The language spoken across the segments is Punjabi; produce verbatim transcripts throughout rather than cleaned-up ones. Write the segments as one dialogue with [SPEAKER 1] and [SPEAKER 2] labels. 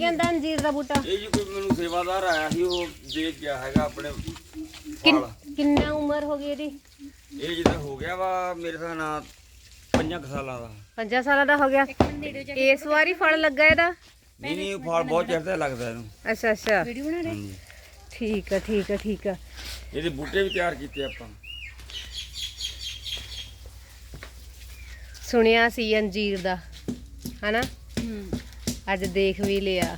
[SPEAKER 1] ਕਹਿੰਦਾ ਅੰਜੀਰ ਦਾ ਬੂਟਾ?
[SPEAKER 2] ਇਹ ਜੀ ਕੋਈ ਮੈਨੂੰ ਸੇਵਾਦਾਰ ਆਇਆ ਸੀ, ਉਹ ਦੇਖ ਗਿਆ ਹੈਗਾ ਆਪਣੇ
[SPEAKER 1] ਕਿੰਨ- ਕਿੰਨਾ ਉਮਰ ਹੋ ਗਈ ਇਹਦੀ?
[SPEAKER 2] ਇਹ ਜਿੱਦਾਂ ਹੋ ਗਿਆ ਵਾ ਮੇਰੇ ਹਿਸਾਬ ਨਾਲ ਪੰਜਾਂ ਕੁ ਸਾਲਾਂ ਦਾ।
[SPEAKER 1] ਪੰਜਾਂ ਸਾਲਾਂ ਦਾ ਹੋ ਗਿਆ। ਇਸ ਵਾਰੀ ਫਲ ਲੱਗਾ ਇਹਦਾ?
[SPEAKER 2] ਨਹੀਂ ਨਹੀਂ ਫਲ ਬਹੁਤ ਚੜਦਾ ਲੱਗਦਾ ਇਹਨੂੰ।
[SPEAKER 1] ਅੱਛਾ ਅੱਛਾ
[SPEAKER 2] ਹਾਂਜੀ
[SPEAKER 1] ਠੀਕ ਆ ਠੀਕ ਆ ਠੀਕ ਆ।
[SPEAKER 2] ਇਹਦੇ ਬੂਟੇ ਵੀ ਤਿਆਰ ਕੀਤੇ ਆਪਾਂ।
[SPEAKER 1] ਸੁਣਿਆ ਸੀ ਅੰਜੀਰ ਦਾ ਹਨਾ, ਅੱਜ ਦੇਖ ਵੀ ਲਿਆ।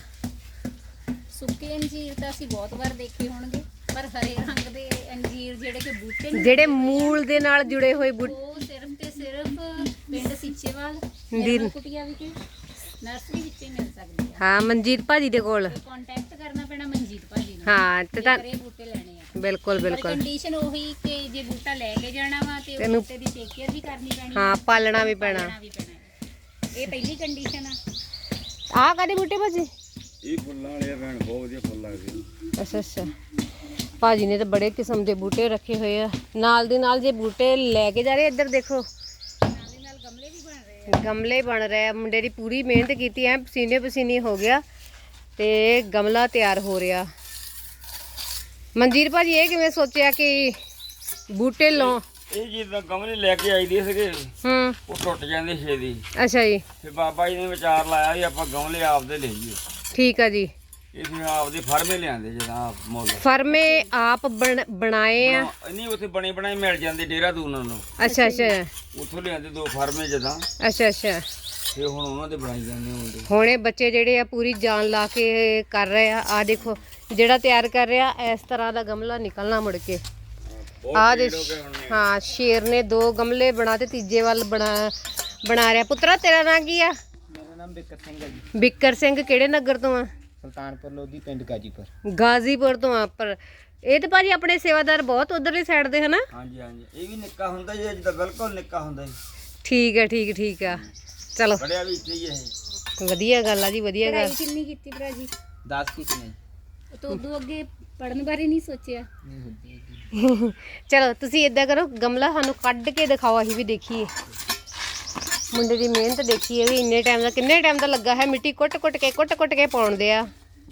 [SPEAKER 3] ਸੁੱਕੇ ਅੰਜੀਰ ਤਾਂ ਅਸੀਂ ਬਹੁਤ ਵਾਰ ਦੇਖੇ ਹੋਣਗੇ, ਪਰ ਹਰੇ ਰੰਗ ਦੇ ਅੰਜੀਰ ਜਿਹੜੇ ਕਿ ਬੂਟੇ ਨੇ,
[SPEAKER 1] ਜਿਹੜੇ ਮੂਲ ਦੇ ਨਾਲ ਜੁੜੇ ਹੋਏ ਬੂਟੇ,
[SPEAKER 3] ਉਹ ਸਿਰਫ ਤੇ ਸਿਰਫ ਪਿੰਡ ਸੀਚੇਵਾਲ
[SPEAKER 1] ਦੀ-
[SPEAKER 3] ਕੁਟੀਆ ਵਿਖੇ ਨਰਸਰੀ ਵਿੱਚ ਹੀ ਮਿਲ ਸਕਦੀ ਆ।
[SPEAKER 1] ਹਾਂ ਮਨਜੀਤ ਭਾਜੀ ਦੇ ਕੋਲ।
[SPEAKER 3] ਕੰਟੈਕਟ ਕਰਨਾ ਪੈਣਾ ਮਨਜੀਤ ਭਾਜੀ ਨੂੰ।
[SPEAKER 1] ਹਾਂ ਤੇ ਤਾਂ
[SPEAKER 3] ਇਹ ਬੂਟੇ ਲੈਣੇ ਆ।
[SPEAKER 1] ਬਿਲਕੁਲ
[SPEAKER 3] ਪਰ
[SPEAKER 1] ਬਿਲਕੁਲ
[SPEAKER 3] ਕੰਡੀਸ਼ਨ ਉਹੀ ਕਿ ਜੇ ਬੂਟਾ ਲੈ ਕੇ ਜਾਣਾ ਵਾ ਤੇ ਉਹ ਬੂਟੇ ਦੀ ਟੇਕ ਕੇਅਰ ਵੀ ਕਰਨੀ ਪੈਣੀ।
[SPEAKER 1] ਹਾਂ ਪਾਲਣਾ ਵੀ ਪੈਣਾ।
[SPEAKER 3] ਪਾਲਣਾ ਵੀ ਪੈਣਾ ਹੈ। ਇਹ ਪਹਿਲੀ ਕੰਡੀਸ਼ਨ ਆ।
[SPEAKER 1] ਆਹ ਕਾਹਦੇ ਬੂਟੇ ਭਾਜੀ?
[SPEAKER 2] ਇਹ ਫੁੱਲਾਂ ਵਾਲੇ ਆ ਭੈਣ, ਬਹੁਤ ਵਧੀਆ ਫੁੱਲ ਲੱਗਦੇ ਨੇ।
[SPEAKER 1] ਅੱਛਾ ਅੱਛਾ ਭਾਜੀ ਨੇ ਤਾਂ ਬੜੇ ਕਿਸਮ ਦੇ ਬੂਟੇ ਰੱਖੇ ਹੋਏ ਆ। ਨਾਲ ਦੀ ਨਾਲ ਜੇ ਬੂਟੇ ਲੈ ਕੇ ਜਾ ਰਹੇ, ਇੱਧਰ ਦੇਖੋ
[SPEAKER 3] ਨਾਲ ਦੀ ਨਾਲ ਗਮਲੇ ਵੀ ਬਣ ਰਹੇ ਆ।
[SPEAKER 1] ਗਮਲੇ ਬਣ ਰਹੇ ਆ। ਮੁੰਡੇ ਦੀ ਪੂਰੀ ਮਿਹਨਤ ਕੀਤੀ ਐ, ਪਸੀਨੇ ਪਸੀਨੇ ਹੋ ਗਿਆ ਤੇ ਗਮਲਾ ਤਿਆਰ ਹੋ ਰਿਹਾ। ਮਨਜੀਤ ਭਾਜੀ ਇਹ ਕਿਵੇਂ ਸੋਚਿਆ ਕਿ ਬੂਟੇ ਲਾਉ?
[SPEAKER 2] ਇਹ ਜਿੱਦਾਂ ਗਮਲੇ ਲੈ ਕੇ ਆਈਦੇ ਸੀਗੇ,
[SPEAKER 1] ਹੂੰ
[SPEAKER 2] ਉਹ ਟੁੱਟ ਜਾਂਦੇ ਛੇਤੀ।
[SPEAKER 1] ਅੱਛਾ ਜੀ
[SPEAKER 2] ਫਿਰ ਬਾਬਾ ਜੀ ਨੇ ਵਿਚਾਰ ਲਾਇਆ ਵੀ ਆਪਾਂ ਗਮਲੇ ਆਪਦੇ ਲਈਏ।
[SPEAKER 1] ਠੀਕ ਆ ਜੀ।
[SPEAKER 2] ਇਹ ਫਿਰ ਆਪਦੇ ਫਰਮੇ ਲਿਆਂਦੇ ਜਿੱਦਾਂ ਮੁੱਲ।
[SPEAKER 1] ਫਰਮੇ ਆਪ ਬਣ- ਬਣਾਏ ਆ?
[SPEAKER 2] ਨਹੀਂ ਉੱਥੇ ਬਣੇ ਬਣਾਏ ਮਿਲ ਜਾਂਦੇ ਦੇਹਰਾਦੂਨ ਨੂੰ।
[SPEAKER 1] ਅੱਛਾ ਅੱਛਾ
[SPEAKER 2] ਉੱਥੋਂ ਲਿਆਂਦੇ ਦੋ ਫਰਮੇ ਜਿੱਦਾਂ,
[SPEAKER 1] ਅੱਛਾ ਅੱਛਾ
[SPEAKER 2] ਫਿਰ ਹੁਣ ਉਹਨਾਂ ਦੇ ਬਣਾਈ ਜਾਂਦੇ ਹੁੰਦੇ।
[SPEAKER 1] ਹੁਣ ਇਹ ਬੱਚੇ ਜਿਹੜੇ ਆ ਪੂਰੀ ਜਾਨ ਲਾ ਕੇ ਕਰ ਰਹੇ ਆ। ਆ ਦੇਖੋ ਜਿਹੜਾ ਤਿਆਰ ਕਰ ਰਿਹਾ, ਇਸ ਤਰ੍ਹਾਂ ਦਾ ਗਮਲਾ ਨਿਕਲਣਾ ਮੁੜ ਕੇ। ਆ ਦੇ ਹਾਂ ਸ਼ੇਰ ਨੇ ਦੋ ਗਮਲੇ ਬਣਾ ਤੇ ਤੀਜੇ ਵੱਲ ਬਣਾ ਬਣਾ ਰਿਹਾ। ਪੁੱਤਰਾ ਤੇਰਾ ਨਾਂ ਕੀ ਆ?
[SPEAKER 4] ਮੇਰਾ ਨਾਮ ਬਿੱਕਰ ਸਿੰਘ ਹੈ ਜੀ।
[SPEAKER 1] ਬਿੱਕਰ ਸਿੰਘ ਕਿਹੜੇ ਨਗਰ ਤੋਂ ਆ?
[SPEAKER 4] ਸੁਲਤਾਨਪੁਰ ਲੋਧੀ ਪਿੰਡ ਗਾਜੀਪੁਰ।
[SPEAKER 1] ਗਾਜ਼ੀਪੁਰ ਤੋਂ ਆ। ਪਰ ਇਹ ਤੇ ਭਾਜੀ ਆਪਣੇ ਸੇਵਾਦਾਰ ਬਹੁਤ ਉਧਰਲੀ ਸਾਈਡ ਦੇ ਹਨਾ?
[SPEAKER 2] ਹਾਂਜੀ ਹਾਂਜੀ ਇਹ ਵੀ ਨਿੱਕਾ ਹੁੰਦਾ ਜੀ, ਜਿੱਦਾਂ ਬਿਲਕੁਲ ਨਿੱਕਾ ਹੁੰਦਾ ਜੀ।
[SPEAKER 1] ਠੀਕ ਹੈ ਠੀਕ ਠੀਕ ਆ। ਚਲੋ
[SPEAKER 2] ਬੜਿਆ ਵੀ ਇੱਥੇ ਹੀ ਇਹ।
[SPEAKER 1] ਵਧੀਆ ਗੱਲ ਆ ਜੀ, ਵਧੀਆ ਗੱਲ।
[SPEAKER 3] ਪੜ੍ਹਾਈ ਕਿੰਨੀ ਕੀਤੀ ਭਰਾ ਜੀ?
[SPEAKER 4] ਦਸ ਕੀਤੀ ਨਹੀਂ
[SPEAKER 3] ਤੂੰ ਉਦੋਂ ਅੱਗੇ ਪੜਨ ਬਾਰੇ ਨਹੀਂ ਸੋਚਿਆ?
[SPEAKER 4] ਨਹੀਂ ਹੁੰਦੀ ਜੀ।
[SPEAKER 1] ਚਲੋ ਤੁਸੀਂ ਇਦਾਂ ਕਰੋ, ਗਮਲਾ ਸਾਨੂੰ ਕੱਢ ਕੇ ਦਿਖਾਓ, ਅਸੀਂ ਵੀ ਦੇਖੀਏ। ਮੁੰਡੇ ਦੀ ਮਿਹਨਤ ਦੇਖੀਏ ਵੀ ਇੰਨੇ ਟਾਈਮ ਦਾ, ਕਿੰਨੇ ਟਾਈਮ ਦਾ ਲੱਗਾ ਹੈ। ਮਿੱਟੀ ਕੁੱਟ ਕੁੱਟ ਕੇ ਕੁੱਟ ਕੁੱਟ ਕੇ ਪਾਉਂਦੇ ਆ।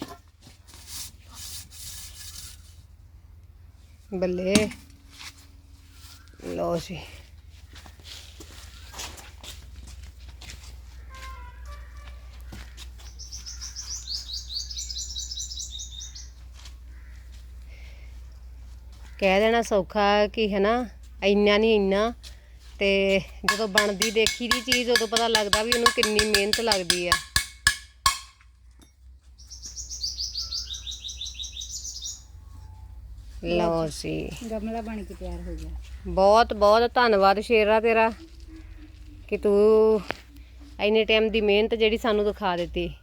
[SPEAKER 1] ਬੱਲੇ ਲਓ ਜੀ। ਕਹਿ ਦੇਣਾ ਸੌਖਾ ਕਿ ਹੈ ਨਾ, ਇੰਨਾ ਨਹੀਂ ਇੰਨਾ, ਤੇ ਜਦੋਂ ਬਣਦੀ ਦੇਖੀ ਦੀ ਚੀਜ਼ ਉਦੋਂ ਪਤਾ ਲੱਗਦਾ ਵੀ ਉਹਨੂੰ ਕਿੰਨੀ ਮਿਹਨਤ ਲੱਗਦੀ ਆ। ਲਓ ਜੀ
[SPEAKER 3] ਗਮਲਾ ਬਣ ਕੇ ਤਿਆਰ ਹੋ ਗਿਆ।
[SPEAKER 1] ਬਹੁਤ ਬਹੁਤ ਧੰਨਵਾਦ ਸ਼ੇਰਾ ਤੇਰਾ ਕਿ ਤੂੰ ਇੰਨੇ ਟਾਈਮ ਦੀ ਮਿਹਨਤ ਜਿਹੜੀ ਸਾਨੂੰ ਦਿਖਾ ਦਿੱਤੀ।